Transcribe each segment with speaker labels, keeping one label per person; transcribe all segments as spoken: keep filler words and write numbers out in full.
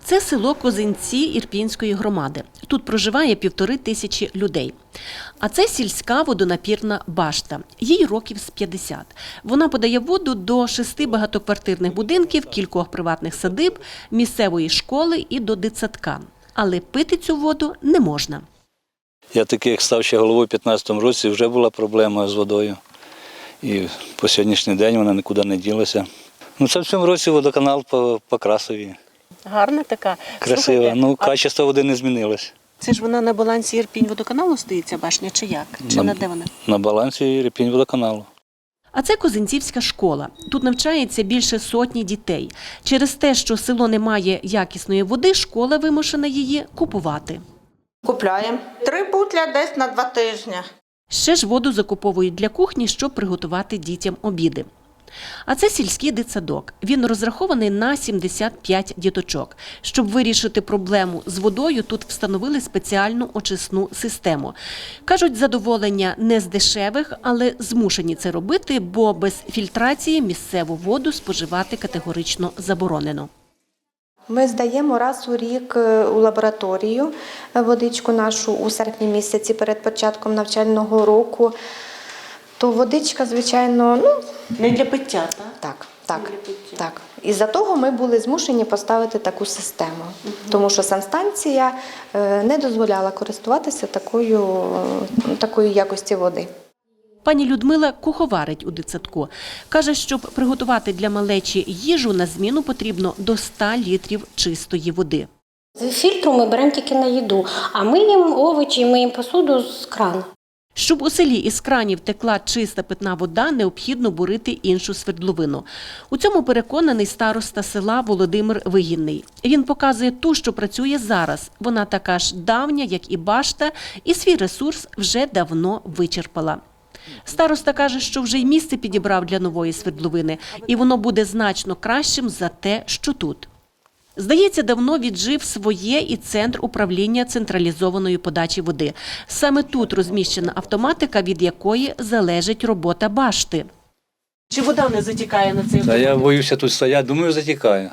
Speaker 1: Це село Козинці Ірпінської громади. Тут проживає півтори тисячі людей. А це сільська водонапірна башта. Їй років з п'ятдесят. Вона подає воду до шести багатоквартирних будинків, кількох приватних садиб, місцевої школи і до дитсадка. Але пити цю воду не можна.
Speaker 2: Я такий, як став ще головою у п'ятнадцятому році, вже була проблема з водою. І по сьогоднішній день вона нікуди не ділася. Ну, це в цьому році водоканал по, по Красові.
Speaker 1: Гарна така.
Speaker 2: Красива.
Speaker 1: Слухайте,
Speaker 2: ну,
Speaker 1: а
Speaker 2: качество води не змінилось.
Speaker 1: це ж вона на балансі Ірпінь-водоканалу стоїть, ця башня, чи як? Чи
Speaker 2: На,
Speaker 1: на де вона?
Speaker 2: на балансі Ірпінь-водоканалу.
Speaker 1: А це Козинцівська школа. Тут навчається більше сотні дітей. Через те, що село не має якісної води, школа вимушена її купувати.
Speaker 3: Купляємо. Три бутля десь на два тижні.
Speaker 1: Ще ж воду закуповують для кухні, щоб приготувати дітям обіди. А це сільський дитсадок. Він розрахований на сімдесят п'ять діточок. Щоб вирішити проблему з водою, тут встановили спеціальну очисну систему. Кажуть, задоволення не з дешевих, але змушені це робити, бо без фільтрації місцеву воду споживати категорично заборонено.
Speaker 4: Ми здаємо раз у рік у лабораторію водичку нашу у серпні місяці перед початком навчального року. То водичка, звичайно, ну…
Speaker 1: Не для пиття, так?
Speaker 4: Так, так, так. Із-за того ми були змушені поставити таку систему, угу. Тому що санстанція не дозволяла користуватися такою, такою якості води.
Speaker 1: Пані Людмила куховарить у дитсадку. Каже, щоб приготувати для малечі їжу, на зміну потрібно до ста літрів чистої води.
Speaker 5: З фільтру ми беремо тільки на їду, а миємо овочі, миємо посуду з крана.
Speaker 1: Щоб у селі із кранів текла чиста питна вода, необхідно бурити іншу свердловину. У цьому переконаний староста села Володимир Вигінний. Він показує ту, що працює зараз. Вона така ж давня, як і башта, і свій ресурс вже давно вичерпала. Староста каже, що вже й місце підібрав для нової свердловини, і воно буде значно кращим за те, що тут. Здається, давно віджив своє і центр управління централізованої подачі води. Саме тут розміщена автоматика, від якої залежить робота башти. Чи вода не затікає на цей
Speaker 2: Та я боюся тут стояти, думаю, затікає.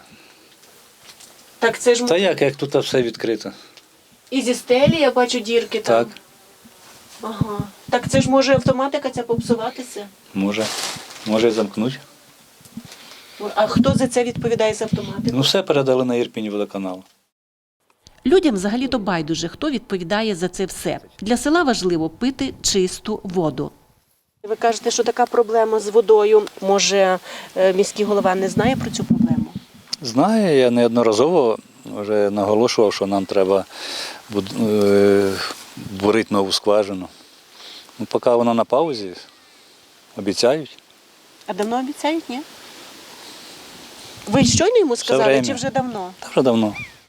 Speaker 1: Так це ж
Speaker 2: Та як, як тут все відкрито.
Speaker 1: і зі стелі, я бачу, дірки там.
Speaker 2: Так,
Speaker 1: Ага. Так це ж може автоматика ця попсуватися?
Speaker 2: може. Може і замкнути.
Speaker 1: А хто за це відповідає за автоматику?
Speaker 2: Ну, все передали на Ірпінь-водоканал.
Speaker 1: Людям взагалі-то байдуже, хто відповідає за це все. Для села важливо пити чисту воду. Ви кажете, що така проблема з водою. Може, міський голова не знає про цю проблему?
Speaker 2: Знаю, я неодноразово вже наголошував, що нам треба бурити нову скважину. Ну, поки вона на паузі, обіцяють.
Speaker 1: А давно обіцяють, ні? Ви щойно йому сказали,
Speaker 2: время.
Speaker 1: чи вже давно?
Speaker 2: Та вже давно.